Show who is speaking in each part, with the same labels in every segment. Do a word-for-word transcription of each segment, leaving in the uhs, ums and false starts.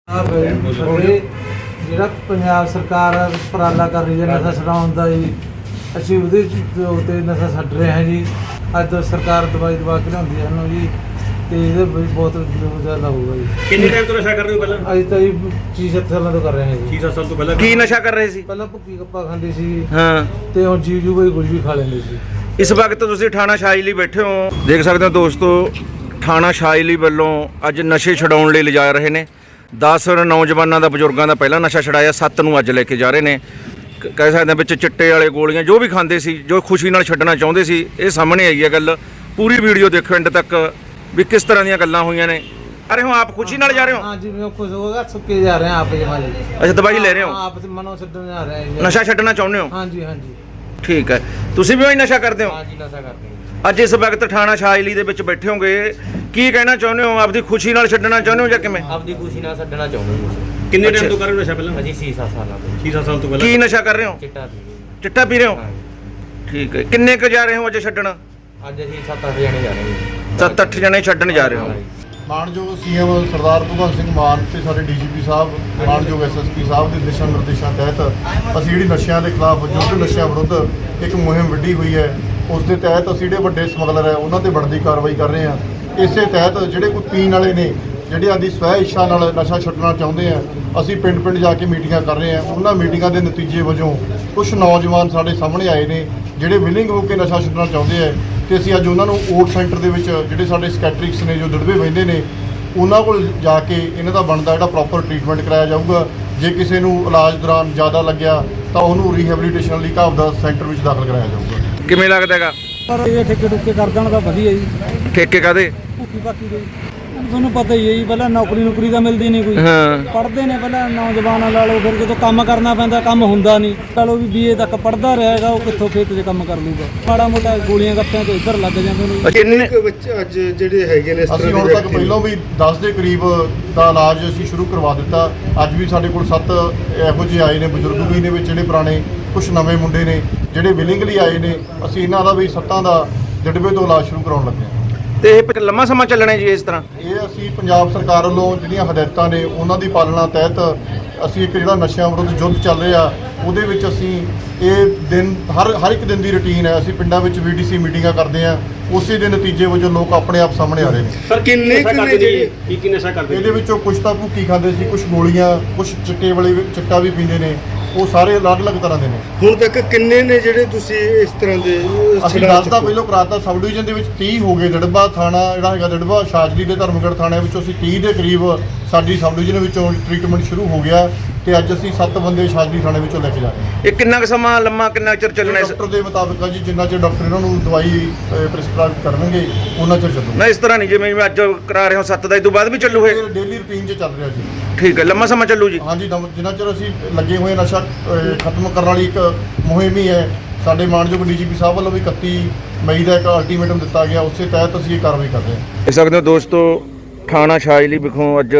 Speaker 1: ਜਿਹੜਾ ਪੰਜਾਬ ਸਰਕਾਰ ਉਪਰਾਲਾ ਕਰ ਰਹੀ ਹੈ ਨਸ਼ਾ ਛਡਾਉਣ ਦਾ ਜੀ, ਅਸੀਂ ਉਹਦੇ ਉੱਤੇ ਨਸ਼ਾ ਛੱਡ ਰਹੇ ਹਾਂ ਜੀ। ਅੱਜ ਤੋਂ ਸਰਕਾਰ ਦਵਾਈ ਦਵਾ ਕੇ ਲਿਆਉਂਦੀ ਹੈ ਸਾਨੂੰ ਜੀ, ਤੇ ਇਹਦੇ ਵਿੱਚ ਬਹੁਤ ਜ਼ਿਆਦਾ ਹੋਊਗਾ ਜੀ।
Speaker 2: ਕਿੰਨੇ ਟਾਈਮ ਤੋਂ ਨਸ਼ਾ ਕਰ ਰਹੇ ਹੋ ਪਹਿਲਾਂ?
Speaker 1: ਅੱਜ ਤਾਂ ਜੀ ਛੇ ਸੱਤ ਸਾਲਾਂ ਤੋਂ ਕਰ ਰਹੇ ਹਾਂ ਜੀ।
Speaker 2: ਛੇ ਸੱਤ ਸਾਲ ਤੋਂ ਪਹਿਲਾਂ
Speaker 3: ਕੀ ਨਸ਼ਾ ਕਰ ਰਹੇ ਸੀ?
Speaker 1: ਪਹਿਲਾਂ ਭੁੱਕੀ ਗੱਪਾ ਖਾਂਦੇ ਸੀ
Speaker 3: ਹਾਂ,
Speaker 1: ਤੇ ਹੁਣ ਜੀਵ ਜੂ ਕੋਈ ਕੁਝ ਵੀ ਖਾ ਲੈਂਦੇ ਸੀ।
Speaker 3: ਇਸ ਵਕਤ ਤੁਸੀਂ ਥਾਣਾ ਸ਼ਾਇਲੀ ਬੈਠੇ ਹੋ, ਦੇਖ ਸਕਦੇ ਹੋ ਦੋਸਤੋ, ਥਾਣਾ ਸ਼ਾਇਲੀ ਵੱਲੋਂ ਅੱਜ ਨਸ਼ੇ ਛਡਾਉਣ ਲਈ ਲਿਜਾ ਰਹੇ ਨੇ। ਦਸ ਨੌਜਵਾਨਾਂ ਦਾ, ਬਜ਼ੁਰਗਾਂ ਦਾ ਪਹਿਲਾਂ ਨਸ਼ਾ ਛਡਾਇਆ, ਸੱਤ ਨੂੰ ਅੱਜ ਲੈ ਕੇ ਜਾ ਰਹੇ ਨੇ। ਕ- ਕਹਿ ਸਕਦੇ ਹਾਂ ਵਿੱਚ ਚਿੱਟੇ ਵਾਲੇ ਗੋਲੀਆਂ ਜੋ ਵੀ ਖਾਂਦੇ ਸੀ, ਜੋ ਖੁਸ਼ੀ ਨਾਲ ਛੱਡਣਾ ਚਾਹੁੰਦੇ ਸੀ, ਇਹ ਸਾਹਮਣੇ ਆਈ ਹੈ ਗੱਲ। ਪੂਰੀ ਵੀਡੀਓ ਦੇਖੋ ਐਂਡ ਤੱਕ ਵੀ ਕਿਸ ਤਰ੍ਹਾਂ ਦੀਆਂ ਗੱਲਾਂ ਹੋਈਆਂ ਨੇ। ਅਰੇ ਹੋ ਆਪ ਖੁਸ਼ੀ ਨਾਲ ਜਾ ਰਹੇ ਹੋ?
Speaker 1: ਹਾਂ ਜੀ, ਮੈਂ ਖੁਸ਼ ਹੋਗਾ ਸੁੱਕੇ ਜਾ ਰਹੇ ਹਾਂ ਆਪ ਜਮਾ ਜੀ।
Speaker 3: ਅੱਛਾ, ਦਵਾਈ ਲੈ ਰਹੇ ਹੋ?
Speaker 1: ਆਪ ਤੇ ਮਨੋਂ ਛੱਡਣ ਜਾ ਰਹੇ ਹਾਂ ਜੀ।
Speaker 3: ਨਸ਼ਾ ਛੱਡਣਾ ਚਾਹੁੰਦੇ ਹੋ?
Speaker 1: ਹਾਂ ਜੀ, ਹਾਂ ਜੀ,
Speaker 3: ਠੀਕ ਹੈ। ਤੁਸੀਂ ਵੀ ਉਹੀ ਨਸ਼ਾ ਕਰਦੇ ਹੋ?
Speaker 1: ਹਾਂ ਜੀ, ਨਸ਼ਾ ਕਰਦੇ ਹਾਂ।
Speaker 3: ਅੱਜ ਇਸ ਵਕਤ ਥਾਣਾ ਸ਼ਾਇਲੀ ਦੇ ਵਿੱਚ ਬੈਠੇ ਹੋਗੇ, ਕੀ ਕਹਿਣਾ ਚਾਹੁੰਦੇ ਹੋ? ਆਪਦੀ ਖੁਸ਼ੀ ਨਾਲ ਛੱਡਣਾ ਚਾਹੁੰਦੇ ਹੋ ਜਾਂ ਕਿਵੇਂ?
Speaker 4: ਆਪਦੀ ਖੁਸ਼ੀ ਨਾਲ ਛੱਡਣਾ ਚਾਹੁੰਦੇ ਹਾਂ ਅਸੀਂ।
Speaker 2: ਕਿੰਨੇ ਟਾਈਮ ਤੋਂ ਕਰ ਰਹੇ ਹੋ ਨਸ਼ਾ ਪਹਿਲਾਂ?
Speaker 4: ਅਸੀਂ ਛੇ ਸੱਤ ਸਾਲਾਂ ਤੋਂ
Speaker 2: ਛੇ ਸੱਤ ਸਾਲ ਤੋਂ ਪਹਿਲਾਂ।
Speaker 3: ਕੀ ਨਸ਼ਾ ਕਰ ਰਹੇ ਹੋ?
Speaker 4: ਚਿੱਟਾ ਪੀ
Speaker 3: ਚਿੱਟਾ ਪੀ ਰਹੇ ਹੋ?
Speaker 4: ਹਾਂ।
Speaker 3: ਠੀਕ ਹੈ। ਕਿੰਨੇ ਕੁ ਜਾ ਰਹੇ ਹੋ ਅੱਜ ਛੱਡਣ?
Speaker 4: ਅੱਜ ਅਸੀਂ ਸੱਤ ਅੱਠ ਜਣੇ ਜਾ ਰਹੇ ਹਾਂ।
Speaker 3: ਸੱਤ ਅੱਠ ਜਣੇ ਛੱਡਣ ਜਾ ਰਹੇ ਹੋ।
Speaker 5: ਮਾਨਯੋਗ ਸੀਐਮ ਸਰਦਾਰ ਭਗਵੰਤ ਸਿੰਘ ਮਾਨ ਤੇ ਸਾਡੇ ਡੀਜੀਪੀ ਸਾਹਿਬ, ਮਾਨਯੋਗ ਐਸਐਸਪੀ ਸਾਹਿਬ ਦੇ ਦਿਸ਼ਾ ਨਿਰਦੇਸ਼ਾਂ ਤਹਿਤ ਅਸੀਂ ਜਿਹੜੀ ਨਸ਼ਿਆਂ ਦੇ ਖਿਲਾਫ ਯੁੱਧ ਨਸ਼ਿਆਂ ਵਿਰੁੱਧ ਇੱਕ ਮੁਹਿੰਮ ਵਿੱਢੀ ਹੋਈ ਹੈ। ਉਸ ਦੇ ਤਹਿਤ ਅਸੀਂ ਜਿਹੜੇ ਵੱਡੇ ਸਮਗਲਰ ਹੈ ਉਹਨਾਂ ਤੇ ਬਣਦੀ ਕਾਰਵਾਈ ਕਰ ਰਹੇ ਹਾਂ। ਇਸੇ ਤਹਿਤ ਜਿਹੜੇ ਕੋਈ ਪੀਣ ਵਾਲੇ ਨੇ, ਜਿਹੜੇ ਆਦੀ ਸਵੈ ਇੱਛਾ ਨਾਲ ਨਸ਼ਾ ਛੱਡਣਾ ਚਾਹੁੰਦੇ ਆ, ਅਸੀਂ ਪਿੰਡ ਪਿੰਡ ਜਾ ਕੇ ਮੀਟਿੰਗਾਂ ਕਰ ਰਹੇ ਹਾਂ। ਉਹਨਾਂ ਮੀਟਿੰਗਾਂ ਦੇ ਨਤੀਜੇ ਵਜੋਂ ਕੁਝ ਨੌਜਵਾਨ ਸਾਡੇ ਸਾਹਮਣੇ ਆਏ ਨੇ ਜਿਹੜੇ ਵਿਲਿੰਗ ਹੋ ਕੇ ਨਸ਼ਾ ਛੱਡਣਾ ਚਾਹੁੰਦੇ ਆ, ਤੇ ਅਸੀਂ ਅੱਜ ਉਹਨਾਂ ਨੂੰ ਓਟ ਸੈਂਟਰ ਦੇ ਵਿੱਚ ਜਿਹੜੇ ਸਾਡੇ ਸਕੈਟਰਿਕਸ ਨੇ ਜੋ ਦੜਵੇ ਬਹਿੰਦੇ ਨੇ, ਉਹਨਾਂ ਕੋਲ ਜਾ ਕੇ ਇਹਨਾਂ ਦਾ ਬਣਦਾ ਜਿਹੜਾ ਪ੍ਰੋਪਰ ਟ੍ਰੀਟਮੈਂਟ ਕਰਾਇਆ ਜਾਊਗਾ। ਜੇ ਕਿਸੇ ਨੂੰ ਇਲਾਜ ਦੌਰਾਨ ਜ਼ਿਆਦਾ ਲੱਗਿਆ ਤਾਂ ਉਹਨੂੰ ਰੀਹੈਬਿਲਿਟੇਸ਼ਨ ਲਈ ਘਾਬ ਦਾ ਸੈਂਟਰ ਵਿੱਚ ਦਾਖਲ ਕਰਾਇਆ ਜਾਊਗਾ।
Speaker 3: ਕਿਵੇਂ ਲੱਗਦਾ ਹੈਗਾ?
Speaker 1: ਪਰ ਇਹ ਠੇਕੇ ਠੁਕੇ ਕਰ ਦੇਣ ਤਾਂ ਵਧੀਆ ਜੀ।
Speaker 3: ਠੇਕੇ ਕਾਦੇ?
Speaker 1: ਭੁੱਕੀ ਬਾਕੀ ਦੇ ਤੁਹਾਨੂੰ ਪਤਾ ਹੀ ਹੈ ਜੀ, ਪਹਿਲਾਂ ਨੌਕਰੀ ਨੌਕਰੀ ਤਾਂ ਮਿਲਦੀ ਨਹੀਂ ਕੋਈ।
Speaker 3: ਹਾਂ,
Speaker 1: ਪੜ੍ਹਦੇ ਨੇ ਪਹਿਲਾਂ ਨੌਜਵਾਨਾਂ ਲਾ ਲਓ, ਫਿਰ ਜਦੋਂ ਕੰਮ ਕਰਨਾ ਪੈਂਦਾ ਕੰਮ ਹੁੰਦਾ ਨਹੀਂ। ਲਾ ਲਓ ਵੀ ਬੀਏ ਤੱਕ ਪੜ੍ਹਦਾ ਰਹੇਗਾ, ਉਹ ਕਿੱਥੋਂ ਖੇਤ 'ਚ ਕੰਮ ਕਰ ਲੂਗਾ। ਮਾੜਾ ਮੋਟਾ ਗੋਲੀਆਂ ਗੱਪਿਆਂ ਤੋਂ ਇੱਧਰ ਲੱਗ ਜਾਂਦੇ ਨੇ।
Speaker 3: ਕਿੰਨੇ
Speaker 6: ਬੱਚੇ ਅੱਜ ਜਿਹੜੇ ਹੈਗੇ ਨੇ ਇਸ
Speaker 5: ਅਸੀਂ
Speaker 6: ਤਰ੍ਹਾਂ
Speaker 5: ਹੁਣ
Speaker 6: ਦੇ
Speaker 5: ਤੱਕ ਪਹਿਲਾਂ ਵੀ ਦਸ ਦੇ ਕਰੀਬ ਦਾ ਇਲਾਜ ਅਸੀਂ ਸ਼ੁਰੂ ਕਰਵਾ ਦਿੱਤਾ। ਅੱਜ ਵੀ ਸਾਡੇ ਕੋਲ ਸੱਤ ਇਹੋ ਜਿਹੇ ਆਏ ਨੇ, ਬਜ਼ੁਰਗ ਵੀ ਨੇ ਵਿੱਚ ਜਿਹੜੇ ਪੁਰਾਣੇ, ਕੁਝ ਨਵੇਂ ਮੁੰਡੇ ਨੇ ਜਿਹੜੇ ਵਿਲਿੰਗਲੀ ਆਏ ਨੇ। ਅਸੀਂ ਇਹਨਾਂ ਦਾ ਵੀ ਸੱਤਾਂ ਦਾ ਜੜਬੇ ਤੋਂ ਇਲਾਜ ਸ਼ੁਰੂ ਕਰਾਉਣ ਲੱਗੇ ਹਾਂ।
Speaker 3: ਤੇ ਇਹ ਫਿਰ ਲੰਮਾ ਸਮਾਂ ਚੱਲਣਾ ਜੀ ਇਸ ਤਰ੍ਹਾਂ?
Speaker 5: ਇਹ ਅਸੀਂ ਪੰਜਾਬ ਸਰਕਾਰ ਵੱਲੋਂ ਜਿਹੜੀਆਂ ਹਦਾਇਤਾਂ ਨੇ ਉਹਨਾਂ ਦੀ ਪਾਲਣਾ ਤਹਿਤ ਅਸੀਂ ਇੱਕ ਜਿਹੜਾ ਨਸ਼ਿਆਂ ਵਿਰੁੱਧ ਯੁੱਧ ਚੱਲ ਰਿਹਾ, ਉਹਦੇ ਵਿੱਚ ਅਸੀਂ ਇਹ ਦਿਨ ਹਰ ਹਰ ਇੱਕ ਦਿਨ ਦੀ ਰੁਟੀਨ ਹੈ। ਅਸੀਂ ਪਿੰਡਾਂ ਵਿੱਚ ਵੀਡੀਸੀ ਮੀਟਿੰਗਾਂ ਕਰਦੇ ਹਾਂ, ਉਸੇ ਦੇ ਨਤੀਜੇ ਵਜੋਂ ਲੋਕ ਆਪਣੇ ਆਪ ਸਾਹਮਣੇ ਆ ਰਹੇ ਨੇ।
Speaker 2: ਸਰ ਕਿੰਨੇ ਕਿੰਨੇ ਜਿਹੜੇ ਕੀ ਕੀ ਨਸ਼ਾ ਕਰਦੇ?
Speaker 5: ਇਹਦੇ ਵਿੱਚੋਂ ਕੁਝ ਤਾਂ ਭੁੱਕੀ ਖਾਂਦੇ ਸੀ, ਕੁਝ ਗੋਲੀਆਂ, ਕੁਝ ਚਿੱਟੇ ਵਾਲੇ ਵੀ- ਚਿੱਟਾ ਵੀ ਪੀਂਦੇ ਨੇ। ਉਹ ਸਾਰੇ ਅਲੱਗ-ਅਲੱਗ ਤਰ੍ਹਾਂ ਦੇ ਨੇ।
Speaker 6: ਹੁਣ ਤੱਕ ਕਿੰਨੇ ਨੇ ਜਿਹੜੇ ਤੁਸੀਂ ਇਸ ਤਰ੍ਹਾਂ ਦੇ
Speaker 5: ਅਸੀਂ ਦਸ ਦਾ ਪਹਿਲਾਂ ਕਰਾਤਾ। ਸਬ ਡਿਵੀਜ਼ਨ ਦੇ ਵਿੱਚ ਤੀਹ ਹੋ ਗਏ। ਦੜਬਾ ਥਾਣਾ ਜਿਹੜਾ ਹੈਗਾ, ਦੜਬਾ ਸ਼ਾਜਲੀ ਦੇ ਧਰਮਗੜ੍ਹ ਥਾਣੇ ਵਿੱਚੋਂ ਅਸੀਂ ਤੀਹ ਦੇ ਕਰੀਬ ਸਾਡੀ ਸਬ ਡਿਵੀਜ਼ਨ ਵਿੱਚੋਂ ਟ੍ਰੀਟਮੈਂਟ ਸ਼ੁਰੂ ਹੋ ਗਿਆ, ਤੇ ਅੱਜ ਅਸੀਂ ਸੱਤ ਬੰਦੇ ਸ਼ਾਜਲੀ ਥਾਣੇ ਵਿੱਚੋਂ ਲੈ ਕੇ ਜਾ ਰਹੇ ਹਾਂ।
Speaker 3: ਇਹ ਕਿੰਨਾ ਕੁ ਸਮਾਂ, ਲੰਮਾ ਕਿੰਨਾ ਚਿਰ ਚੱਲਣਾ ਇਸ?
Speaker 5: ਡਾਕਟਰ ਦੇ ਮੁਤਾਬਕ ਆ ਜੀ, ਜਿੰਨਾ ਚਿਰ ਡਾਕਟਰ ਇਹਨਾਂ ਨੂੰ ਦਵਾਈ ਪ੍ਰਿਸਕ੍ਰਾਈਬ ਕਰਨਗੇ ਉਹਨਾਂ ਚਿਰ ਚੱਲੂਗਾ।
Speaker 3: ਨਾ ਇਸ ਤਰ੍ਹਾਂ ਨਹੀਂ ਜਿਵੇਂ ਅੱਜ ਕਰਾ ਰਹੇ ਹੋ ਸੱਤ ਦਾ, ਇਹ ਤੋਂ ਬਾਅਦ ਵੀ ਚੱਲੂ ਇਹ?
Speaker 5: ਇਹ ਡੇਲੀ ਰੁਟੀਨ 'ਚ ਚੱਲ ਰਿਹਾ ਜੀ।
Speaker 3: ਠੀਕ ਹੈ, ਲੰਮਾ ਸਮਾਂ ਚੱਲੂ ਜੀ।
Speaker 5: ਹਾਂਜੀ, ਦਮ- ਜਿੰਨਾ ਚਿਰ ਅਸੀਂ ਲੱਗੇ ਹੋਏ ਨਸ਼ਾ ਅਹ, ਖਤਮ ਕਰਨ ਵਾਲੀ ਇੱਕ ਮੁਹਿੰਮ ਹੀ ਹੈ। ਸਾਡੇ ਮਾਨਯੋਗ ਡੀਜੀਪੀ ਸਾਹਿਬ ਵੱਲੋਂ ਵੀ ਇਕੱਤੀ ਮਈ ਦਾ ਇੱਕ ਅਲਟੀਮੇਟਮ ਦਿੱਤਾ ਗਿਆ, ਉਸੇ ਤਹਿਤ ਅਸੀਂ ਇਹ ਕਾਰਵਾਈ ਕਰ ਰਹੇ ਹਾਂ।
Speaker 3: ਦੇਖ ਸਕਦੇ ਹੋ ਦੋਸਤੋ, ਥਾਣਾ ਸ਼ਾਇਲੀ ਵਿਖੋਂ ਅੱਜ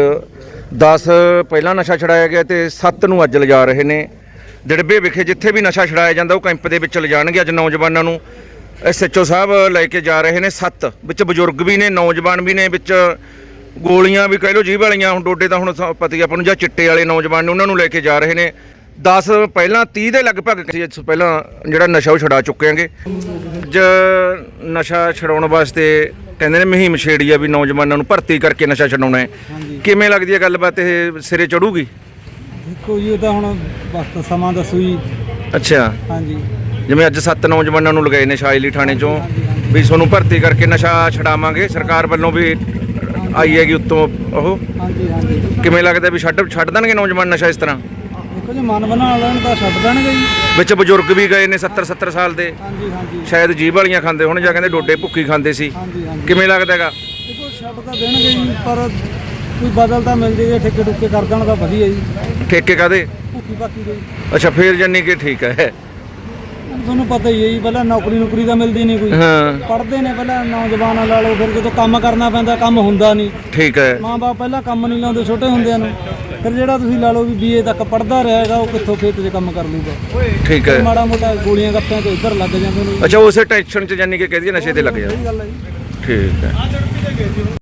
Speaker 3: ਦਸ ਪਹਿਲਾਂ ਨਸ਼ਾ ਛਡਾਇਆ ਗਿਆ ਤੇ ਸੱਤ ਨੂੰ ਅੱਜ ਲਿਜਾ ਰਹੇ ਨੇ। ਡਿੜਬੇ ਵਿਖੇ ਜਿੱਥੇ ਵੀ ਨਸ਼ਾ ਛਡਾਇਆ ਜਾਂਦਾ ਉਹ ਕੈਂਪ ਦੇ ਵਿੱਚ ਲਿਜਾਣਗੇ ਅੱਜ ਨੌਜਵਾਨਾਂ ਨੂੰ। ਐਸਐਚਓ ਸਾਹਿਬ ਲੈ ਕੇ ਜਾ ਰਹੇ ਨੇ ਸੱਤ, ਵਿੱਚ ਬਜ਼ੁਰਗ ਵੀ ਨੇ, ਨੌਜਵਾਨ ਵੀ ਨੇ, ਵਿੱਚ ਗੋਲੀਆਂ ਵੀ ਕਹਿ ਲਓ ਜੀਭ ਵਾਲੀਆਂ। ਹੁਣ ਡੋਡੇ ਤਾਂ ਹੁਣ ਸ- ਪਤਾ ਹੀ ਆਪਾਂ ਨੂੰ, ਜਾਂ ਚਿੱਟੇ ਵਾਲੇ ਨੌਜਵਾਨ ਨੇ ਉਹਨਾਂ ਨੂੰ ਲੈ ਕੇ ਜਾ ਰਹੇ ਨੇ। ਦਸ ਪਹਿਲਾਂ ਤੀਹ ਦੇ ਲਗਭਗ ਸੀ ਇਸ ਪਹਿਲਾਂ ਜਿਹੜਾ ਨਸ਼ਾ ਉਹ ਛਡਾ ਚੁੱਕੇ ਆਂਗੇ। ਅੱਜ ਨਸ਼ਾ ਛਡਾਉਣ ਵਾਸਤੇ ਕਹਿੰਦੇ ਨੇ ਮੁਹਿੰਮ ਛੇੜੀ ਆ ਵੀ ਨੌਜਵਾਨਾਂ ਨੂੰ ਭਰਤੀ ਕਰਕੇ ਨਸ਼ਾ ਛਡਾਉਣਾ ਹੈ। ਕਿਵੇਂ ਲੱਗਦੀ ਹੈ ਗੱਲਬਾਤ, ਇਹ ਸਿਰੇ ਚੜੂਗੀ?
Speaker 1: ਦੇਖੋ ਜੀ, ਉਹ ਤਾਂ ਹੁਣ ਵਕਤ ਸਮਾਂ ਦੱਸੂ ਜੀ।
Speaker 3: ਅੱਛਾ,
Speaker 1: ਹਾਂਜੀ,
Speaker 3: ਜਿਵੇਂ ਅੱਜ ਸੱਤ ਨੌਜਵਾਨਾਂ ਨੂੰ ਲਗਾਏ ਨੇ ਸ਼ਾਇਲੀ ਥਾਣੇ ਚੋਂ ਵੀ ਤੁਹਾਨੂੰ ਭਰਤੀ ਕਰਕੇ ਨਸ਼ਾ ਛਡਾਵਾਂਗੇ, ਸਰਕਾਰ ਵੱਲੋਂ ਵੀ ਆਈ ਹੈਗੀ ਉੱਤੋਂ ਉਹ।
Speaker 1: ਹਾਂਜੀ, ਹਾਂਜੀ।
Speaker 3: ਕਿਵੇਂ ਲੱਗਦਾ ਵੀ ਛੱਡ ਛੱਡ ਦੇਣਗੇ ਨੌਜਵਾਨ ਨਸ਼ਾ ਇਸ ਤਰ੍ਹਾਂ?
Speaker 1: ਦੇਖੋ ਜੀ, ਮਨ ਬਣਾ ਲੈਣ ਤਾਂ ਛੱਡ ਦੇਣਗੇ ਜੀ।
Speaker 3: ਵਿੱਚ ਬਜ਼ੁਰਗ ਵੀ ਗਏ ਨੇ ਸੱਤਰ ਸੱਤਰ ਸਾਲ ਦੇ,
Speaker 1: ਹਾਂਜੀ, ਹਾਂਜੀ,
Speaker 3: ਸ਼ਾਇਦ ਜੀਭ ਵਾਲੀਆਂ ਖਾਂਦੇ ਹੁਣ, ਜਾਂ ਕਹਿੰਦੇ ਡੋਡੇ ਭੁੱਕੀ ਖਾਂਦੇ ਸੀ।
Speaker 1: ਹਾਂਜੀ, ਹਾਂਜੀ।
Speaker 3: ਕਿਵੇਂ ਲੱਗਦਾ ਹੈਗਾ?
Speaker 1: ਦੇਖੋ ਛੱਡ ਤਾਂ ਦੇਣਗੇ ਜੀ, ਪਰ ਕੋਈ ਬਦਲ ਤਾਂ ਮਿਲ ਜੇ, ਠੇਕੇ ਠੁਕੇ ਕਰ ਦੇਣ ਤਾਂ ਵਧੀਆ ਜੀ।
Speaker 3: ਠੇਕੇ ਕਾਦੇ?
Speaker 1: ਭੁੱਕੀ ਬਾਕੀ ਦੇ
Speaker 3: ਅੱਛਾ, ਫੇਰ ਜਾਨੀ ਕਿ ਠੀਕ ਹੈ।
Speaker 1: ਤੁਹਾਨੂੰ ਪਤਾ ਹੀ ਹੈ ਜੀ, ਪਹਿਲਾਂ ਨੌਕਰੀ ਨੌਕਰੀ ਤਾਂ ਮਿਲਦੀ ਨਹੀਂ ਕੋਈ।
Speaker 3: ਹਾਂ,
Speaker 1: ਪੜ੍ਹਦੇ ਨੇ ਪਹਿਲਾਂ ਨੌਜਵਾਨਾਂ ਲਾ ਲਓ, ਫਿਰ ਜਦੋਂ ਕੰਮ ਕਰਨਾ ਪੈਂਦਾ ਕੰਮ ਹੁੰਦਾ ਨਹੀਂ।
Speaker 3: ਠੀਕ ਹੈ।
Speaker 1: ਮਾਂ ਬਾਪ ਪਹਿਲਾਂ ਕੰਮ ਨਹੀਂ ਲਾਉਂਦੇ ਛੋਟੇ ਹੁੰਦਿਆਂ ਨੂੰ। ਫਿਰ ਜਿਹੜਾ ਤੁਸੀਂ ਲਾ ਲਓ ਵੀ ਬੀਏ ਤੱਕ ਪੜ੍ਹਦਾ ਰਹੇਗਾ, ਉਹ ਕਿੱਥੋਂ ਖੇਤ 'ਚ ਕੰਮ ਕਰ ਲੂਗਾ।
Speaker 3: ਠੀਕ ਹੈ।
Speaker 1: ਮਾੜਾ ਮੋਟਾ ਗੋਲੀਆਂ ਗੱਪਿਆਂ ਤੋਂ ਇੱਧਰ ਲੱਗ ਜਾਂਦੇ ਨੇ।
Speaker 3: ਅੱਛਾ, ਉਸੇ ਟੈਨਸ਼ਨ 'ਚ ਜਾਨੀ ਕਿ ਕਹਦੀ ਨਸ਼ੇ ਤੇ ਲੱਗ ਜਾ।
Speaker 1: ਸਹੀ ਗੱਲ ਹੈ ਜੀ।
Speaker 3: ਠੀਕ ਹੈ।